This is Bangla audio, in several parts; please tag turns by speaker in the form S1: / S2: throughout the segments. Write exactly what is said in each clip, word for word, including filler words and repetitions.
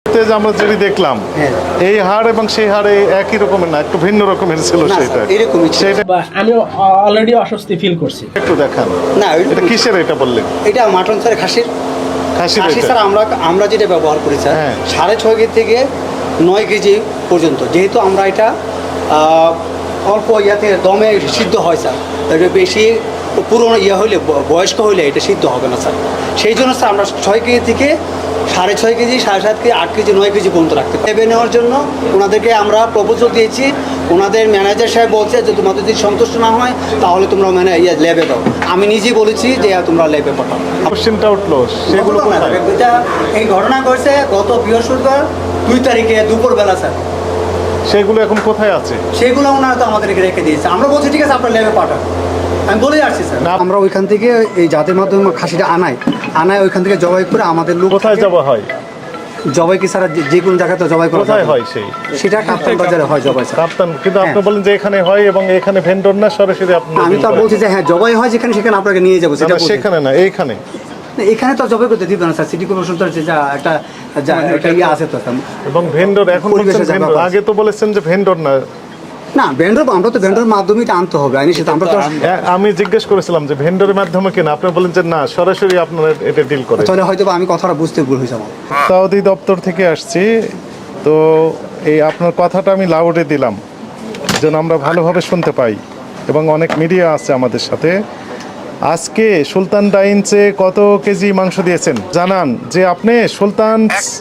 S1: যে আমরা যেটি দেখলাম এই হাড় এবং সেই হাড়ে একই রকমের না, একটু ভিন্ন রকমের ছিল সেটা।
S2: সেটা আমি অলরেডি অস্বস্তি ফিল করছি।
S1: একটু দেখান
S3: না,
S1: এটা কিসের, এটা বললেন?
S3: এটা মাটন স্যার, খাসির।
S1: খাসির
S3: খাসি স্যার আমরা আমরা যেটা ব্যবহার করি স্যার,
S1: হ্যাঁ।
S3: সাড়ে ছয় কেজি থেকে নয় কেজি পর্যন্ত, যেহেতু আমরা এটা অল্প ইয়াতে দমে সিদ্ধ হয় স্যার, এটা বেশি পুরনো ইয়ে হইলে, বয়স্ক হইলে এটা সিদ্ধ হবে না স্যার। সেই জন্য স্যার আমরা ছয় কেজি থেকে সাড়ে ছয় কেজি, সাড়ে সাত কেজি, আট কেজি, নয় কেজি পর্যন্ত রাখতে লেবে নেওয়ার জন্য ওনাদেরকে আমরা প্রপোজাল দিয়েছি। ওনাদের ম্যানেজার সাহেব বলছে যে তোমাদের যদি সন্তুষ্ট না হয় তাহলে তোমরা মানে ইয়ে লেবে দাও। আমি নিজেই বলেছি যে তোমরা লেবে পাঠাও।
S1: কোশ্চেনটা উঠলো, সেগুলো
S3: এটা এই ঘটনা ঘটছে গত বৃহস্পতিবার দুই তারিখে দুপুরবেলা স্যার।
S1: সেগুলো এখন কোথায় আছে?
S3: সেগুলো ওনারা তো আমাদেরকে রেখে দিয়েছে। আমরা বলছি ঠিক আছে আপনার লেবে পাঠান, আমি বলে আসছি স্যার। আমরা ওইখান থেকে এই জাতের মাধ্যমে খাসিটা আনাই আনায় ওইখান থেকে জবাই করে আমাদের লোক।
S1: কোথায় জবাই হয়?
S3: জবাই কি স্যার যে কোনো জায়গাতে জবাই করা
S1: কোথায় হয়? সেই
S3: সেটা কাপ্তান বাজারে হয় জবাই স্যার।
S1: কাপ্তান, কিন্তু আপনি বলেন যে এখানে হয় এবং এখানে ভেন্ডর না, সরাসরি আপনি।
S3: আমি তো বলছি যে হ্যাঁ জবাই হয় যেখানে, সেখানে আপনাকে নিয়ে যাবো। সেটা
S1: সেখানে না, এইখানে।
S3: এখানে তো জবাই করতে দিত না স্যার, সিটি কর্পোরেশন তো যা একটা যা একটা ইয়ে আছে তো।
S1: এবং ভেন্ডর এখন বলছেন ভেন্ডর, আগে তো বলেছেন যে ভেন্ডর না।
S3: না ভেন্ডর, আমরা তো ভেন্ডর মাধ্যমেই আনতে হবে, আইনি সেটা আমরা তো।
S1: আমি জিজ্ঞেস করেছিলাম যে ভেন্ডরের মাধ্যমে কিনা, আপনি বলেন যে না, সরাসরি আপনারা এটা ডিল করে।
S3: তাহলে হয়তো আমি কথাটা বুঝতে ভুল হয়েছে আমার।
S1: সৌদি দপ্তর থেকে আসছি তো, এই আপনার কথাটা আমি লাউডে দিলাম যেন আমরা ভালোভাবে শুনতে পাই, এবং অনেক মিডিয়া আছে আমাদের সাথে। আজকে সুলতান ডাইন্সে কত কেজি মাংস দিয়েছেন জানান? যে আপনি সুলতান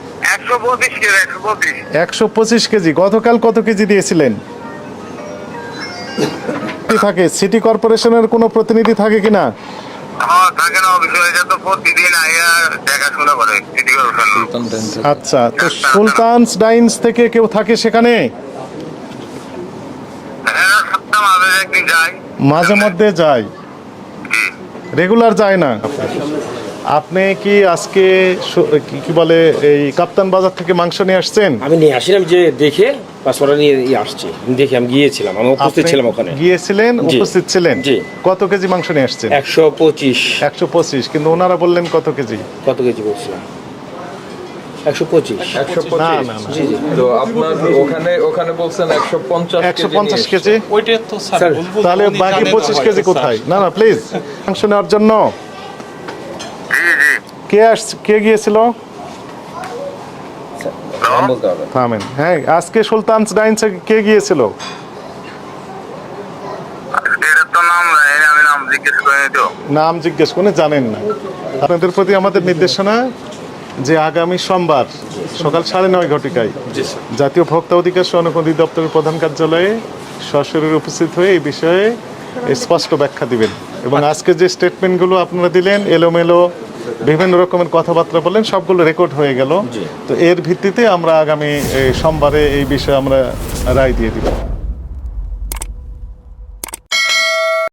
S1: একশো পঁচিশ কেজি, গতকাল কত কেজি দিয়েছিলেন? থাকে সিটি কর্পোরেশনের কোনো প্রতিনিধি থাকে কিনা? আচ্ছা, তো সুলতান ডাইন্স থেকে কেউ থাকে সেখানে? মাঝে মধ্যে যায়, রেগুলার যায় না। আপনি কি আজকে কি বলে এই কাপ্তান বাজার থেকে মাংস নিয়ে আসছেন?
S4: আমি নিয়ে আসলাম, যে দেখে পাসপোর্ট নিয়ে আসছি, দেখে আমি গিয়েছিলাম, আমি উপস্থিত ছিলাম ওখানে।
S1: গিয়েছিলেন, উপস্থিত ছিলেন।
S4: জি।
S1: কত কেজি মাংস নিয়ে আসছেন?
S4: একশো পঁচিশ।
S1: একশো পঁচিশ, কিন্তু ওনারা বললেন কত কেজি?
S4: কত কেজি বলছিলাম? একশো পঁচিশ।
S1: একশো পঁচিশ। না না,
S4: জি জি।
S5: তো আপনার ওখানে ওখানে বলছেন একশো পঞ্চাশ
S1: একশো পঞ্চাশ কেজি।
S2: ওইটা তো স্যার
S1: তাহলে বাকি পঁচিশ কেজি কোথায়? না না প্লিজ, মাংস নেওয়ার জন্য কে আসছে, কে গিয়েছিল? থামেন। হ্যাঁ, আজকে সুলতান ডাইন্সে কে গিয়েছিল? নাম জিজ্ঞেস করে জানেন না। আপনাদের প্রতি আমাদের নির্দেশনা যে আগামী সোমবার সকাল সাড়ে নয় ঘটিকায় জাতীয় ভোক্তা অধিকার সনদ অধিদপ্তরের প্রধান কার্যালয়ে সশরীরে উপস্থিত হয়ে এই বিষয়ে স্পষ্ট ব্যাখ্যা দিবেন। এবং আজকে যে স্টেটমেন্টগুলো আপনারা দিলেন, এলোমেলো বিভিন্ন রকমের কথাবার্তা বললেন, সবগুলো রেকর্ড হয়ে গেল। তো এর ভিত্তিতে আমরা আগামী সোমবারে এই বিষয়ে আমরা রায় দিয়ে দিব।